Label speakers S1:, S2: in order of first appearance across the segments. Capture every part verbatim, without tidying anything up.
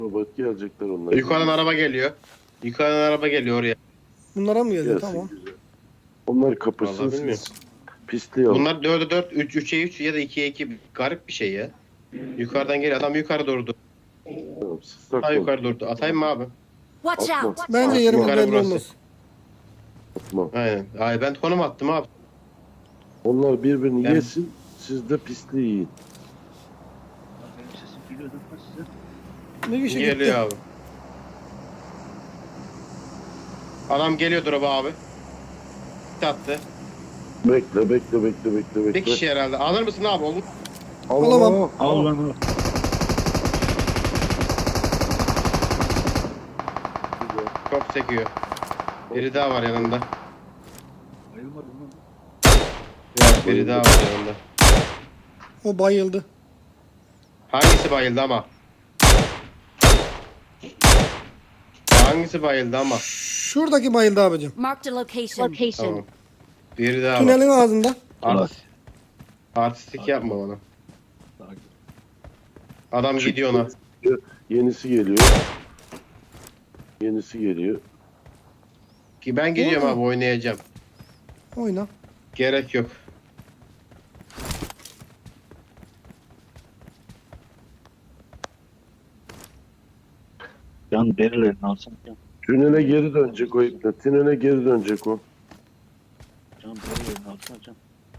S1: Robot gelecekler onlar.
S2: Yukarıdan araba geliyor. Yukarıdan araba geliyor oraya.
S3: Bunlara mı geliyor?
S1: Gelsin
S3: Tamam.
S1: güzel. Onlar kapısın
S2: Vallahi bilmiyorum.
S1: siz. Pisliği alın.
S2: Bunlar dörde dört, üç, üçe üç ya da ikiye iki. Garip bir şey ya. Yukarıdan geliyor. Adam yukarı durdu.
S1: Tamam, siz
S2: Ha
S1: saklanın.
S2: yukarı durdu. Atayım mı abi?
S4: Watch
S1: Atma.
S4: out!
S3: Bence yerimiz
S2: Yukarı
S3: belli
S2: burası.
S3: olmaz.
S1: Atma.
S2: Aynen. Ay ben konum attım abi.
S1: Onlar birbirini
S2: Ben-
S1: yesin. Siz de pisliği yiyin.
S5: Benim sesim geliyordu ama size.
S3: Bir kişi
S2: Geliyor
S3: gitti.
S2: abi. Adam geliyor drop'a abi. Attı.
S1: Bekle bekle bekle bekle bekle.
S2: Bir kişi herhalde. Alır mısın abi? Olur.
S1: Allah.
S3: Alamam.
S5: Al lan o.
S1: Güzel.
S2: Çok sekiyor. Biri daha var yanında.
S5: Bayılmadım lan.
S2: Yok, biri daha var yanında.
S3: O bayıldı.
S2: Hangisi bayıldı ama? Hangisi bayıldı ama?
S3: Şuradaki bayıldı abicim.
S4: Marked a location. Location.
S2: Tamam. Biri daha var.
S3: Tünelin ağzında.
S2: Art, artistik yapma bana.
S5: Daha güzel.
S2: Adam gidiyor ona.
S1: Yenisi geliyor. Yenisi geliyor.
S2: Ki ben gidiyorum
S3: Oğlum.
S2: abi oynayacağım.
S3: Oyna.
S2: Gerek yok.
S5: Can derilerini alsam can.
S1: Tünele geri dönecek o ipne. Tünele geri dönecek o.
S5: Can derilerini alsam can.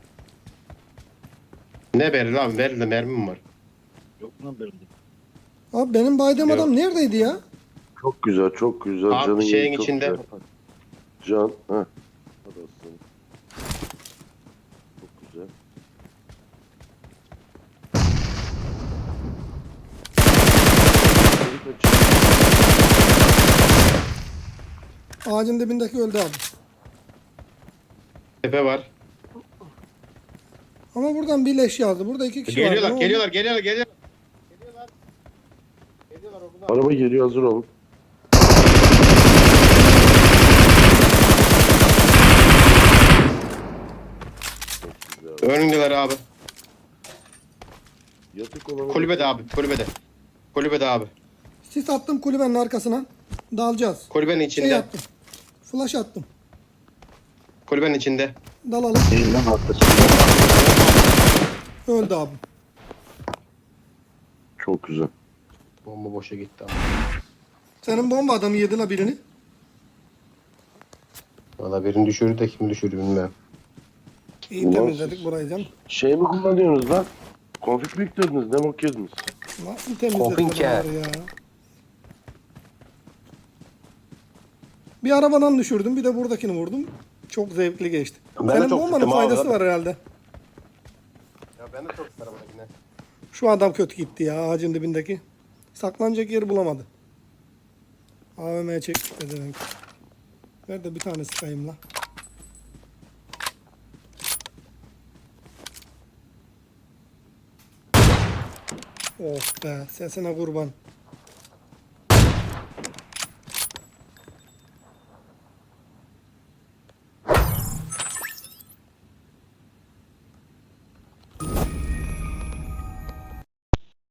S2: Ne beril abi? Beril'de mermim var.
S5: Yok lan berildi.
S3: Abi benim baydığım
S2: Yok.
S3: adam neredeydi ya?
S1: Çok güzel çok güzel.
S2: Abi
S1: Canın
S2: şeyin
S1: yeri çok
S2: içinde.
S1: güzel. Can. Heh. Hadi aslanım. Çok güzel.
S3: Ağacın dibindeki öldü abi.
S2: Tepe var.
S3: Ama buradan bir leş yazdı. Burada iki kişi
S2: Geliyorlar,
S3: var. Ne oldu?
S2: geliyorlar, geliyorlar, geliyorlar. Geliyorlar. Geliyorlar oradan.
S1: Araba geliyor, hazır olun. Çok güzel.
S2: Önündeler abi.
S1: Yatık olanı
S2: Kulübede abi, kulübede. Kulübede abi.
S3: Sis attım kulübenin arkasına. Dalacağız.
S2: Kulübenin
S3: Şey
S2: içinde.
S3: attım. Flash attım.
S2: Kulübenin içinde.
S3: Dalalım.
S5: Değil lan arkası.
S3: Öldü abi.
S1: Çok güzel.
S2: Bomba boşa gitti abi.
S3: Senin bomba adamı yedi la birini.
S2: Valla birini düşürdü de kim düşürdü bilmem.
S3: İyi
S1: Ulan
S3: temizledik
S1: siz-
S3: burayı canım.
S1: Şey mi kullanıyorsunuz lan? Konfig mi yüklediniz? Ne bok yediniz?
S3: Nasıl temizledik
S2: Kopinke.
S3: adamları ya? Bir arabadan düşürdüm, bir de buradakini vurdum. Çok zevkli geçti.
S2: Ben de
S3: Senin
S2: çok
S3: bombanın
S2: sıktım abi.
S3: faydası var herhalde.
S2: Ya ben de çok isterim yine.
S3: Şu adam kötü gitti ya ağacın dibindeki. Saklanacak yeri bulamadı. A V M'ye çekti demek. Ver de bir tane sıkayım la. Of be, sesine kurban.